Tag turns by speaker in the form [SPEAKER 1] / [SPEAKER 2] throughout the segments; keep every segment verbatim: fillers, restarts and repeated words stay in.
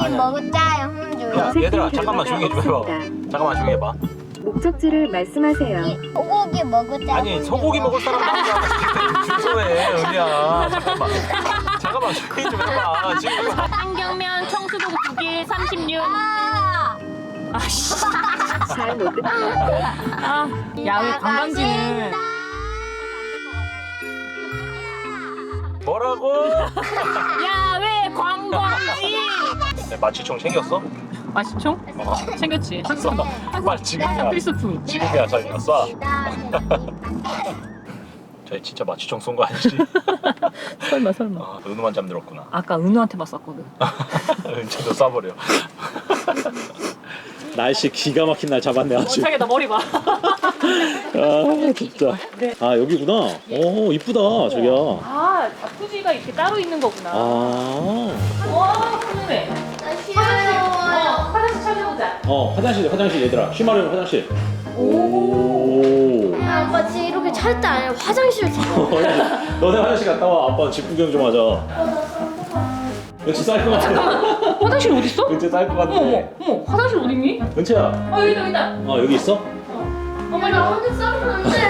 [SPEAKER 1] 소고기 먹었자요. 홍주요.
[SPEAKER 2] 얘들아 잠깐만 조용히 좀 해봐. 잠깐만 조용히 해봐.
[SPEAKER 3] 목적지를 말씀하세요.
[SPEAKER 1] 소고기 먹었자.
[SPEAKER 2] 아니 소고기 먹을 사람 나오잖아. 주소해 은희야. 잠깐만. 잠깐만 조용히 좀 해봐. 지금 이거
[SPEAKER 4] 한경면 청수동 두 개 삼십육.
[SPEAKER 1] 아!
[SPEAKER 4] 아씨.
[SPEAKER 3] 잘못 듣겠어요.
[SPEAKER 4] 아, 야외 관광지는
[SPEAKER 2] 뭐라고?
[SPEAKER 4] 야외 관광지.
[SPEAKER 2] 네, 마취총 챙겼어?
[SPEAKER 4] 맛있죠?
[SPEAKER 2] 어.
[SPEAKER 4] 챙겼지.
[SPEAKER 2] 쏴. 빨리 지금이야.
[SPEAKER 4] 항상 필수품.
[SPEAKER 2] 지금이야 저희가 쏴. 저희 진짜 마취총 쏜 거 아니지?
[SPEAKER 4] 설마 설마.
[SPEAKER 2] 아, 은우만 잠들었구나.
[SPEAKER 4] 아까 은우한테만 쐈거든.
[SPEAKER 2] 은채도 쏴버려. 날씨 기가 막힌 날 잡았네 아주.
[SPEAKER 4] 자기 나 머리 봐.
[SPEAKER 2] 아 진짜. 아 여기구나. 오 이쁘다 저기야.
[SPEAKER 4] 아, 자쿠지가 이렇게 따로 있는 거구나.
[SPEAKER 2] 아.
[SPEAKER 4] 와, 훈훈해. 어, 화장실 찾아보자.
[SPEAKER 2] 어 화장실 화장실 얘들아. 쉬마려면 화장실. 오.
[SPEAKER 1] 아빠 지금 이렇게 찾을 때 아니라 화장실 찾아.
[SPEAKER 2] 너네 화장실 갔다 와. 아빠 집 구경 좀 하자. 은채 쌀 것 같아.
[SPEAKER 4] 화장실 어디 있어?
[SPEAKER 2] 은채 쌀 것 같아.
[SPEAKER 4] 어머, 어머, 화장실 어디 있니?
[SPEAKER 2] 은채야.
[SPEAKER 4] 어, 여기다, 여기다.
[SPEAKER 2] 어 여기 있어?
[SPEAKER 4] 어머, 나
[SPEAKER 1] 어디 싸면 안 돼.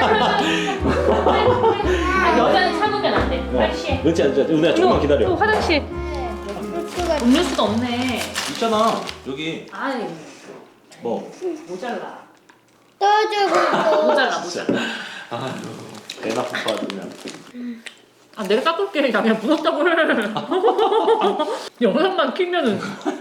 [SPEAKER 4] 아, 여자는 참으면 안 돼. 빨리 취해.
[SPEAKER 2] 은채 앉아. 은혜야 조금만
[SPEAKER 4] 또
[SPEAKER 2] 기다려.
[SPEAKER 4] 화장실. 음료수가 없네.
[SPEAKER 2] 있잖아. 여기.
[SPEAKER 4] 아이,
[SPEAKER 2] 뭐?
[SPEAKER 4] 모자라.
[SPEAKER 1] 떠주고
[SPEAKER 4] 모자라, 모자라.
[SPEAKER 2] 아유 배 나쁜 거 같으면
[SPEAKER 4] 아, 내가 닦을게. 야, 그냥 무섭다고 해. 영상만 키면은.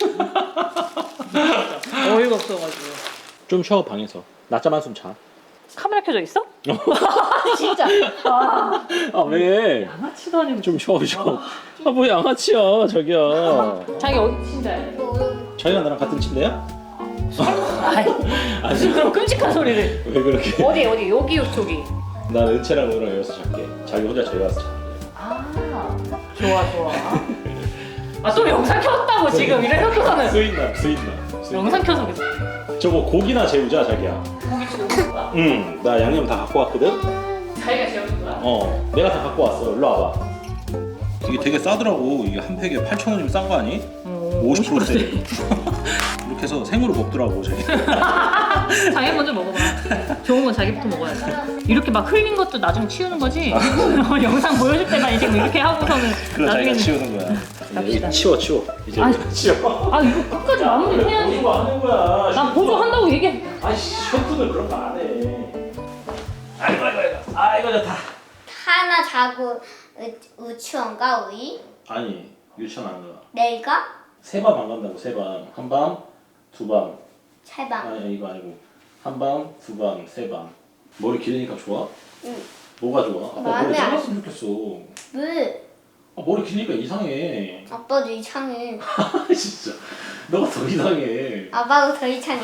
[SPEAKER 4] 어이가 없어가지고.
[SPEAKER 2] 좀 쉬어 방에서. 낮잠 한숨 자.
[SPEAKER 4] 카메라 켜져 있어? 진짜. 아,
[SPEAKER 2] 아 왜?
[SPEAKER 4] 양아치도 아니고.
[SPEAKER 2] 좀 쉬어 쉬어. 아뭐 양아치야 자기야.
[SPEAKER 4] 자기 어디 친자야?
[SPEAKER 2] 자기가 나랑 같은 침대야?
[SPEAKER 4] 아이,
[SPEAKER 2] 아니
[SPEAKER 4] 무슨 그런 끔찍한 소리를.
[SPEAKER 2] 왜 그렇게?
[SPEAKER 4] 어디, 어디, 여기, 저기.
[SPEAKER 2] 난 은채랑 너랑 여기서 잘게. 자기 혼자 저기 가서 자.
[SPEAKER 4] 아, 좋아, 좋아. 아, 또 영상 켰다고 지금 이래놓고서는.
[SPEAKER 2] 수인남 수인남. 수인남.
[SPEAKER 4] 영상 켜서 그래.
[SPEAKER 2] 저거 고기나 재우자 자기야.
[SPEAKER 4] 고기 주는 거야?
[SPEAKER 2] 응. 나 양념 다 갖고 왔거든.
[SPEAKER 4] 자기가 재우는 거야?
[SPEAKER 2] 어. 내가 다 갖고 왔어. 일로 와봐. 이게 되게 싸더라고. 이게 한 팩에 팔천 원이면 싼 거 아니?
[SPEAKER 4] 어,
[SPEAKER 2] 오십 퍼센트. 이렇게 해서 생으로 먹더라고 저기.
[SPEAKER 4] 자기 먼저 먹어봐. 좋은 건 자기부터 먹어야지. 이렇게 막 흘린 것도 나중에 치우는 거지. 영상 보여줄 때만 지금 이렇게 하고서는
[SPEAKER 2] 그래 자기가
[SPEAKER 4] 나중에는.
[SPEAKER 2] 치우는 거야.
[SPEAKER 4] 납시다.
[SPEAKER 2] 여기 치워 치워. 이제
[SPEAKER 4] 아니,
[SPEAKER 2] 치워.
[SPEAKER 4] 아, 이거 끝까지 마무리 해야지.
[SPEAKER 2] 보조 하는 거야.
[SPEAKER 4] 난 보조한다고 얘기해.
[SPEAKER 2] 아이씨 셔프는 그런 거 안 해. 아이고 아이고 아이고. 아이고 좋다.
[SPEAKER 1] 하나 자고 우- 유치원가 우리?
[SPEAKER 2] 아니 유치원 안 가.
[SPEAKER 1] 내일가?
[SPEAKER 2] 세 밤 안 간다고 세 밤. 한 밤, 두 밤.
[SPEAKER 1] 세방.
[SPEAKER 2] 아니 이거 아니고 한 밤, 두 밤, 세 밤. 머리 기르니까 좋아?
[SPEAKER 1] 응.
[SPEAKER 2] 뭐가 좋아? 아빠
[SPEAKER 1] 마음에
[SPEAKER 2] 머리
[SPEAKER 1] 안-
[SPEAKER 2] 잘랐으면 좋겠어.
[SPEAKER 1] 왜?
[SPEAKER 2] 아, 머리 기니까 이상해.
[SPEAKER 1] 아빠도 이상해.
[SPEAKER 2] 진짜. 너가 더 이상해.
[SPEAKER 1] 아빠도 더 이상해.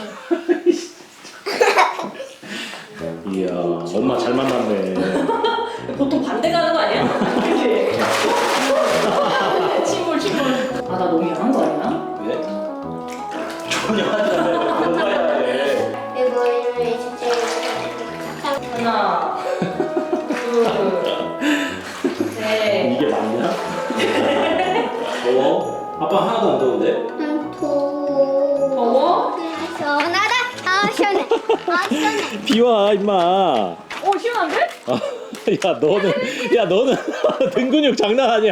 [SPEAKER 2] 이야 엄마 잘 만났네.
[SPEAKER 4] 보통 반대 가는 거 아니야? 그치? 침몰, 침몰. 아, 나 너무 야한 거 아니야?
[SPEAKER 2] 왜? 전혀 하지 않아요. 공부해야 해.
[SPEAKER 1] 이거 이거 진짜
[SPEAKER 4] 하나, 둘, 셋.
[SPEAKER 2] 이게 맞냐? 어? 아빠 하나도 안 더운데?
[SPEAKER 1] 도.
[SPEAKER 4] 더워?
[SPEAKER 1] 시원하다. 아 시원해. 아 시원해.
[SPEAKER 2] 비와 임마.
[SPEAKER 4] 어, 시원한데?
[SPEAKER 2] 아, 야 너는 야 너는 등 근육 장난 아니야.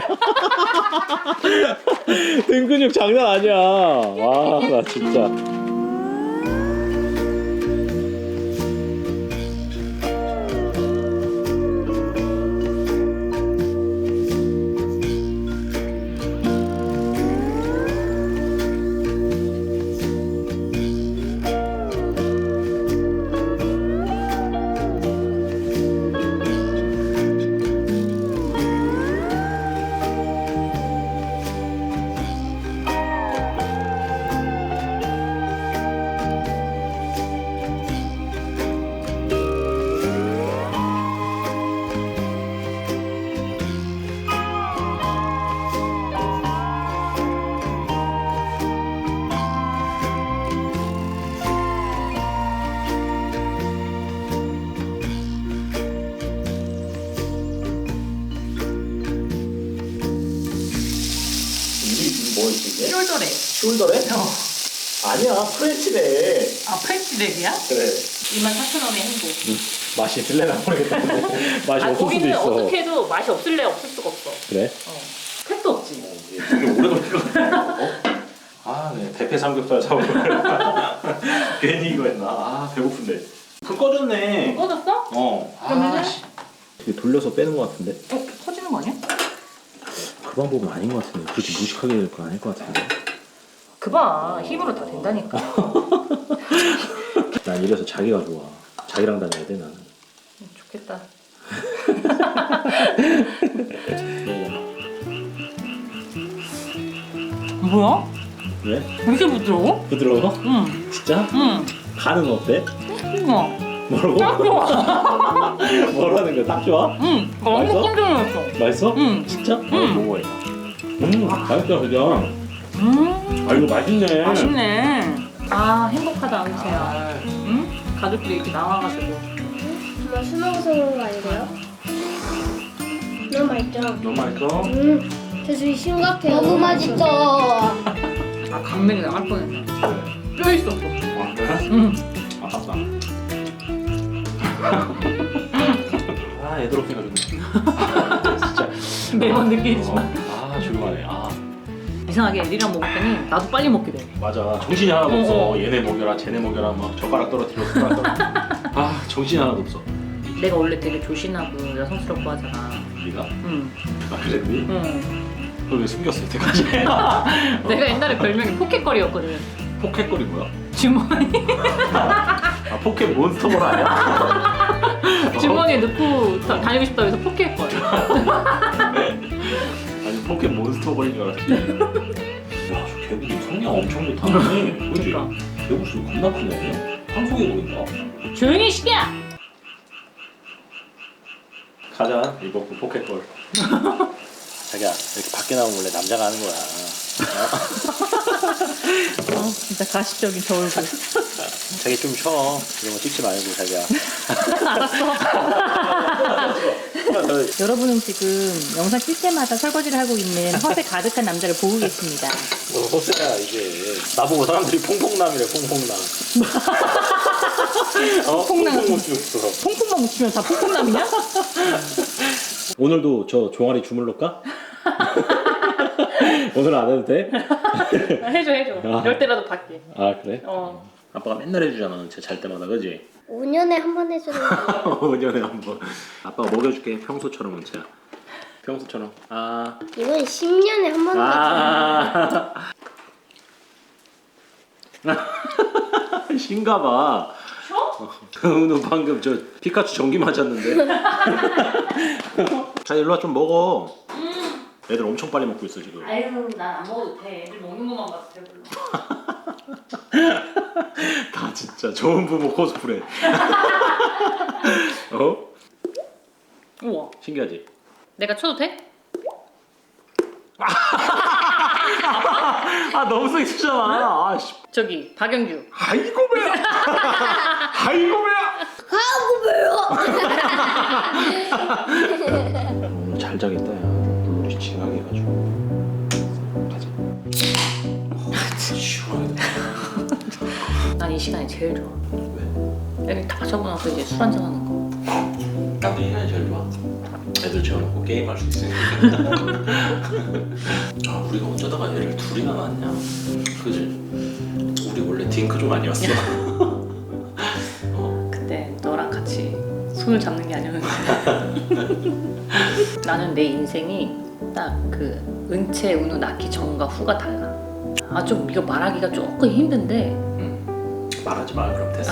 [SPEAKER 2] 등 근육 장난 아니야. 와 나 진짜. 이게?
[SPEAKER 4] 숄더래.
[SPEAKER 2] 숄더래?
[SPEAKER 4] 어.
[SPEAKER 2] 아니야 프렌치래.
[SPEAKER 4] 아 프렌치렉이야?
[SPEAKER 2] 그래.
[SPEAKER 4] 이만 사천 원의 행복.
[SPEAKER 2] 응. 맛이 있을래나 모르겠다는데 맛이
[SPEAKER 4] 아,
[SPEAKER 2] 없을 수도
[SPEAKER 4] 거기는
[SPEAKER 2] 있어.
[SPEAKER 4] 어떻게 해도 맛이 없을래 없을 수가 없어.
[SPEAKER 2] 그래?
[SPEAKER 4] 어. 택도 없지.
[SPEAKER 2] 되게 오래 걸릴 것 같아. 어? 아, 네. 대패 삼겹살 사고 괜히 이거 했나? 아, 배고픈데. 불 꺼졌네.
[SPEAKER 4] 꺼졌어?
[SPEAKER 2] 어.
[SPEAKER 4] 그러면은?
[SPEAKER 2] 아, 씨. 이게 돌려서 빼는 것 같은데?
[SPEAKER 4] 어? 터지는 거 아니야?
[SPEAKER 2] 그 방법은 아닌 것 같은데. 그렇게 무식하게 될 거 아닐 것 같은데.
[SPEAKER 4] 그봐 힘으로 다 된다니까.
[SPEAKER 2] 난 이래서 자기가 좋아. 자기랑 다녀야 돼 나는.
[SPEAKER 4] 좋겠다. 뭐야?
[SPEAKER 2] 왜?
[SPEAKER 4] 왜 이렇게 부드러워?
[SPEAKER 2] 부드러워?
[SPEAKER 4] 응.
[SPEAKER 2] 진짜?
[SPEAKER 4] 응.
[SPEAKER 2] 간은 어때?
[SPEAKER 4] 어.
[SPEAKER 2] 뭐라고?
[SPEAKER 4] 딱 좋아.
[SPEAKER 2] 뭐라는 거야? 딱 좋아?
[SPEAKER 4] 응. 너무
[SPEAKER 2] 맛있어?
[SPEAKER 4] 끈적였어.
[SPEAKER 2] 맛있어?
[SPEAKER 4] 응.
[SPEAKER 2] 진짜?
[SPEAKER 4] 응.
[SPEAKER 2] 어, 먹어야겠다. 음, 맛있다 그죠?
[SPEAKER 4] 음.
[SPEAKER 2] 아 이거 맛있네.
[SPEAKER 4] 맛있네. 아 행복하다 은채야. 응? 가족들이 이렇게 나와가지고.
[SPEAKER 1] 정말 술 먹어서 그런 거 아니고요? 너무 맛있죠?
[SPEAKER 2] 너무 맛있어?
[SPEAKER 1] 음, 대수이 심각해요. 너무 맛있죠?
[SPEAKER 4] 아 강맥이 나갈 뻔했네. 뼈 있었어.
[SPEAKER 2] 아 그래?
[SPEAKER 4] 응.
[SPEAKER 2] 아깝다. 아 애들 없으니까 좋네. 진짜.
[SPEAKER 4] 매번 느끼지만.
[SPEAKER 2] 어, 아 조용하네. 아
[SPEAKER 4] 이상하게 애들이랑 먹었더니 나도 빨리 먹게 돼.
[SPEAKER 2] 맞아. 정신이 하나도
[SPEAKER 4] 어,
[SPEAKER 2] 없어.
[SPEAKER 4] 어.
[SPEAKER 2] 얘네 먹여라, 쟤네 먹여라, 막 젓가락 떨어뜨려, 숟가락 떨어뜨려. 아 정신이 하나도 없어.
[SPEAKER 4] 내가 원래 되게 조신하고 여성스럽고 하잖아.
[SPEAKER 2] 네가?
[SPEAKER 4] 응.
[SPEAKER 2] 아 그랬니?
[SPEAKER 4] 응.
[SPEAKER 2] 그걸 왜 숨겼어 여태까지?
[SPEAKER 4] 내가 옛날에 별명이 포켓거리였거든.
[SPEAKER 2] 포켓볼이 뭐야?
[SPEAKER 4] 주머니
[SPEAKER 2] 아 포켓 몬스터볼 아니야?
[SPEAKER 4] 주머니에 넣고 다, 다니고 싶다고 해서 포켓거리.
[SPEAKER 2] 아니 포켓 몬스터볼인 줄 알았지. 야, 저 개구리 성량 엄청 좋다네. 그지?
[SPEAKER 4] 그러니까.
[SPEAKER 2] 개구리 겁나 크네. 황소개 보니까.
[SPEAKER 4] 조용히 시냐?
[SPEAKER 2] 가자 리버풀 포켓볼. 자기야 이렇게 밖에 나오면 원래 남자가 하는 거야.
[SPEAKER 4] 어, 진짜 가식적인 저 얼굴.
[SPEAKER 2] 자기 좀 쉬어. 이런 거 찍지 말고 자기야.
[SPEAKER 4] 알았어. 여러분은 지금 영상 낄 때마다 설거지를 하고 있는 허세 가득한 남자를 보고 계십니다.
[SPEAKER 2] 너 허세야 이게. 나보고 사람들이 퐁퐁남이래 퐁퐁남. 어?
[SPEAKER 4] 퐁퐁남.
[SPEAKER 2] 퐁퐁 mus어.
[SPEAKER 4] 퐁퐁만 묻히면 다 퐁퐁남이냐?
[SPEAKER 2] 오늘도 저 종아리 주물러까? 오늘 안 해도 돼?
[SPEAKER 4] 해줘 해줘.
[SPEAKER 2] 아.
[SPEAKER 4] 열 대라도 받게.
[SPEAKER 2] 아 그래?
[SPEAKER 4] 어.
[SPEAKER 2] 아빠가 맨날 해주잖아 쟤 잘 때마다 그지?
[SPEAKER 1] 오 년에 한 번 해주는 거.
[SPEAKER 2] 오 년에 한번 아빠가 먹여줄게 평소처럼 은채야 평소처럼 아
[SPEAKER 1] 이건 십 년에 한 번 해주는
[SPEAKER 2] 아. 신가봐.
[SPEAKER 4] 쉬어?
[SPEAKER 2] 너 방금 저 피카츄 전기 맞았는데. 자 일로 와 좀 먹어. 애들 엄청 빨리 먹고 있어 지금.
[SPEAKER 4] 아유 난 안 먹어도 돼. 애들 먹는 것만 봐도 배불러.
[SPEAKER 2] 다 진짜 좋은 부부 코스프레. 어?
[SPEAKER 4] 우와.
[SPEAKER 2] 신기하지?
[SPEAKER 4] 내가 쳐도 돼?
[SPEAKER 2] 아 너무 섹시잖아. 아 씨.
[SPEAKER 4] 저기 박영규.
[SPEAKER 2] 아이고 배야. 아이고 배야. 오늘 잘 자겠다 야. 물놀이 징하게 해가지고. 가자. 시원하게.
[SPEAKER 4] 난 이 시간이 제일 좋아.
[SPEAKER 2] 왜?
[SPEAKER 4] 애들 다 자고 나서 이제 술 한잔 하는 거.
[SPEAKER 2] 나도 이 시간이 제일 좋아. 애들 재워놓고 게임할 수 있으니까. 아 우리가 어쩌다가 애를 둘이나 낳았냐. 그지? 우리 원래 딩크 좀 아니었어. 어?
[SPEAKER 4] 그때 너랑 같이 손을 잡는 게 아니었는데. 나는 내 인생이 딱 그 은채, 은우 낳기 전과 후가 달라. 아 좀 이거 말하기가 조금 힘든데.
[SPEAKER 2] 응. 말하지 마 그럼 됐어.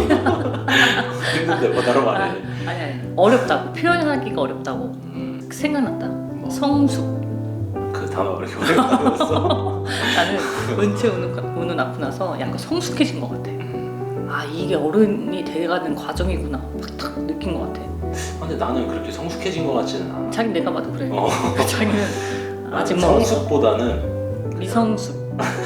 [SPEAKER 2] 힘든데 뭐 다른 말해.
[SPEAKER 4] 아, 아니 아니 어렵다고 표현하기가 어렵다고.
[SPEAKER 2] 음,
[SPEAKER 4] 생각났다.
[SPEAKER 2] 뭐?
[SPEAKER 4] 성숙.
[SPEAKER 2] 그 단어가 그렇게 오래 걸렸어.
[SPEAKER 4] 나는 은채, 은우, 은우 낳고 나서 약간 성숙해진 것 같아. 아 이게 어른이 돼가는 과정이구나. 막 딱 느낀 것 같아.
[SPEAKER 2] 근데 나는 그렇게 성숙해진 것 같지는 않아.
[SPEAKER 4] 자기 내가 봐도 그래.
[SPEAKER 2] 어.
[SPEAKER 4] 자기는
[SPEAKER 2] 나는
[SPEAKER 4] 아직 뭐
[SPEAKER 2] 성숙보다는
[SPEAKER 4] 미성숙.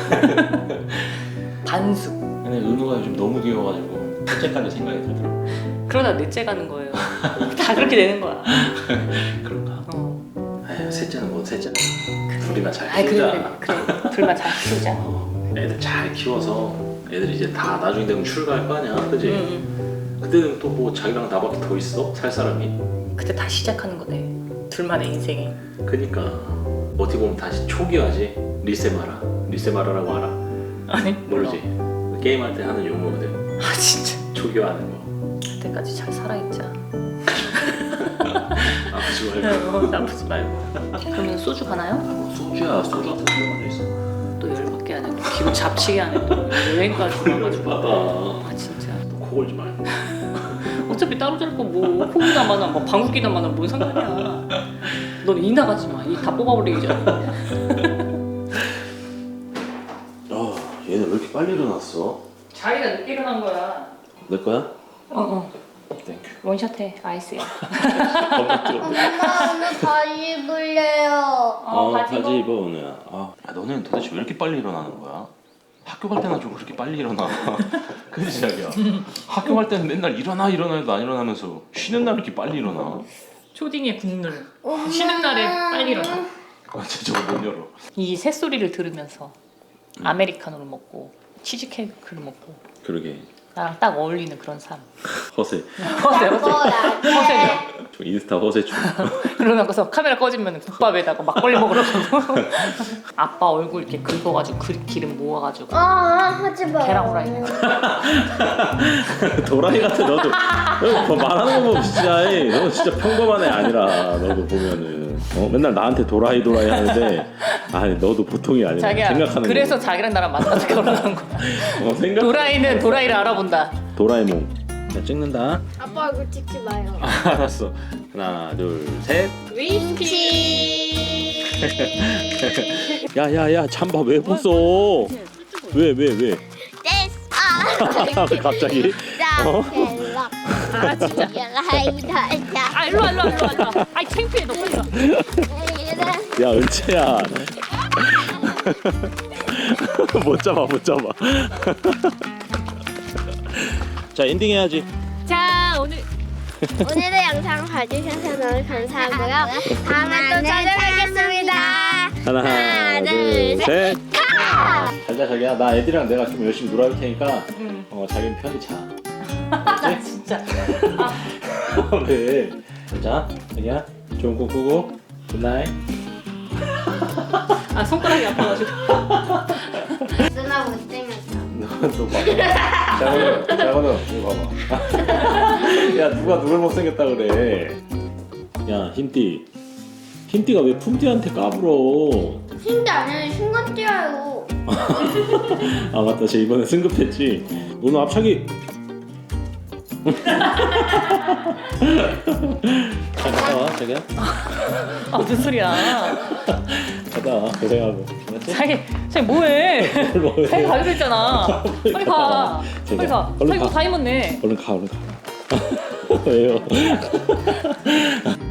[SPEAKER 4] 반숙.
[SPEAKER 2] 근데 은우가 요즘 너무 귀여워가지고 첫째까지 생각이 들더라고.
[SPEAKER 4] 그러다 넷째 가는 거예요. 다 그렇게 되는 거야.
[SPEAKER 2] 그런가?
[SPEAKER 4] 어.
[SPEAKER 2] 에휴 셋째는 뭐 셋째는.
[SPEAKER 4] 그래.
[SPEAKER 2] 둘이만 잘
[SPEAKER 4] 아이
[SPEAKER 2] 키우자.
[SPEAKER 4] 그래 그래 그래 둘만 잘 키우자.
[SPEAKER 2] 어, 애들 잘 키워서 애들 이제 다 나중에 되면 출가할 거 아니야, 그지?
[SPEAKER 4] 응,
[SPEAKER 2] 그때는 또 뭐 자기랑 나밖에 더 있어? 살 사람이?
[SPEAKER 4] 응. 그때 다시 시작하는 거네. 둘만의 인생이.
[SPEAKER 2] 그니까 어떻게 보면 다시 초기화지. 리세마라. 리세마라라고 알아?
[SPEAKER 4] 아니
[SPEAKER 2] 모르지? 게임할 때 하는 용어거든.
[SPEAKER 4] 아 진짜.
[SPEAKER 2] 초기화하는 거.
[SPEAKER 4] 그때까지 잘 살아있자.
[SPEAKER 2] 아프지 말고.
[SPEAKER 4] 어, 나쁘지 말고. 그러면 소주 가나요?
[SPEAKER 2] 뭐 소주야, 소주 같은 거 가져 있어.
[SPEAKER 4] 또 열받게 하네. 또 기분 잡치게 하네. 또 여행까지 와가지고.
[SPEAKER 2] 받아.
[SPEAKER 4] 아 진짜.
[SPEAKER 2] 코 골지 말고.
[SPEAKER 4] 어차피 따로 잘 거 뭐 호기나 마나 뭐 방귀기나 마나 뭔 상관이야. 넌 이 나가지 마. 이 다 뽑아버리기 전에.
[SPEAKER 2] 아, 얘는 왜 이렇게 빨리 일어났어?
[SPEAKER 4] 자기가 늦게 일어난 거야.
[SPEAKER 2] 내 거야?
[SPEAKER 4] 어어.
[SPEAKER 2] 땡큐.
[SPEAKER 4] 원샷해. 아이스야.
[SPEAKER 2] 겁나 뜨거워.
[SPEAKER 1] 엄마 오늘 바지 입을래요.
[SPEAKER 4] 어, 바지 입어.
[SPEAKER 2] 입어 오늘야. 아, 야, 너네는 도대체 왜 이렇게 빨리 일어나는 거야? 학교 갈 때나 좀 그렇게 빨리 일어나. 그지 자기야. 학교 갈 때는 맨날 일어나 일어나 해도 안 일어나면서 쉬는 날 이렇게 빨리 일어나.
[SPEAKER 4] 초딩의 국룰. 쉬는 날에 빨리 일어나.
[SPEAKER 2] 아, 진짜 저거 못 열어.
[SPEAKER 4] 이 새소리를 들으면서 아메리카노를 먹고 치즈케이크를 먹고
[SPEAKER 2] 그러게.
[SPEAKER 4] 나랑 딱 어울리는 그런 삶.
[SPEAKER 2] 허세.
[SPEAKER 4] 허세 허세. 허세죠.
[SPEAKER 2] 좀 인스타 허세 좀.
[SPEAKER 4] 그러고서 카메라 꺼지면 국밥에다가 막걸리 먹으러 가고 아빠 얼굴 이렇게 긁어가지고 그 기름 모아가지고
[SPEAKER 1] 아 하지 마.
[SPEAKER 4] 계란 후라이.
[SPEAKER 2] 도라이 같아 너도. 너 말하는 거 보면 진짜 너 진짜 평범한 애 아니라 너도 보면은 어? 맨날 나한테 도라이 도라이 하는데 아니 너도 보통이 아니야.
[SPEAKER 4] 자기야
[SPEAKER 2] 생각하는
[SPEAKER 4] 그래서
[SPEAKER 2] 거.
[SPEAKER 4] 자기랑 나랑 만나서 결혼한 거야.
[SPEAKER 2] 어, 생각.
[SPEAKER 4] 도라이는 도라이를 알아본다.
[SPEAKER 2] 도라에몽. 자 찍는다.
[SPEAKER 1] 아빠 얼굴 찍지 마요.
[SPEAKER 2] 아, 알았어. 하나 둘 셋.
[SPEAKER 1] 위스키.
[SPEAKER 2] 야야야 잠바 왜 벗어? 왜 왜 왜?
[SPEAKER 1] 됐어.
[SPEAKER 2] 갑자기? 어?
[SPEAKER 4] 아 진짜. 아 일로 와 일로 와 일로 와 일로 와. 아이 창피해 너 빨리 와.
[SPEAKER 2] 야 은채야. 못 잡아 못 잡아. 자 엔딩 해야지.
[SPEAKER 4] 자 오늘
[SPEAKER 1] 오늘의 영상 봐주셔서 너무 감사하고요. 다음에 또 찾아뵙겠습니다.
[SPEAKER 2] 하나,
[SPEAKER 1] 하나,
[SPEAKER 2] 둘,
[SPEAKER 1] 둘,
[SPEAKER 2] 셋. 잘자 자기야. 나 애들이랑 내가 좀 열심히 놀아줄 테니까
[SPEAKER 4] 응.
[SPEAKER 2] 어 자기는 편히 자.
[SPEAKER 4] 나 진짜
[SPEAKER 2] 왜? 자 자기야 좋은 꿈 꾸고 굿나잇.
[SPEAKER 4] 아 손가락이 아파가지고.
[SPEAKER 1] 누나 못생겼어.
[SPEAKER 2] 너 봐봐. 장원우, 장원우, 이거 봐봐. 야, 누가 누굴 못생겼다 그래. 야, 흰띠. 흰띠가 왜 품띠한테 까불어?
[SPEAKER 1] 힘도 아니라 신경 뛰어요.
[SPEAKER 2] 아, 맞다. 쟤 이번에 승급했지. 오늘 앞차기. 잘 갔다 와, 자기야.
[SPEAKER 4] 아 무슨 소리야.
[SPEAKER 2] 갔다 와, 고생하고. 알았지?
[SPEAKER 4] 자기 자기 뭐해?
[SPEAKER 2] 뭐해?
[SPEAKER 4] 자기 가기로 했잖아. 빨리 가.
[SPEAKER 2] 자기야,
[SPEAKER 4] 빨리 가.
[SPEAKER 2] 얼른
[SPEAKER 4] 자기
[SPEAKER 2] 가.
[SPEAKER 4] 뭐다 입었네.
[SPEAKER 2] 얼른 가, 얼른 가. 왜요?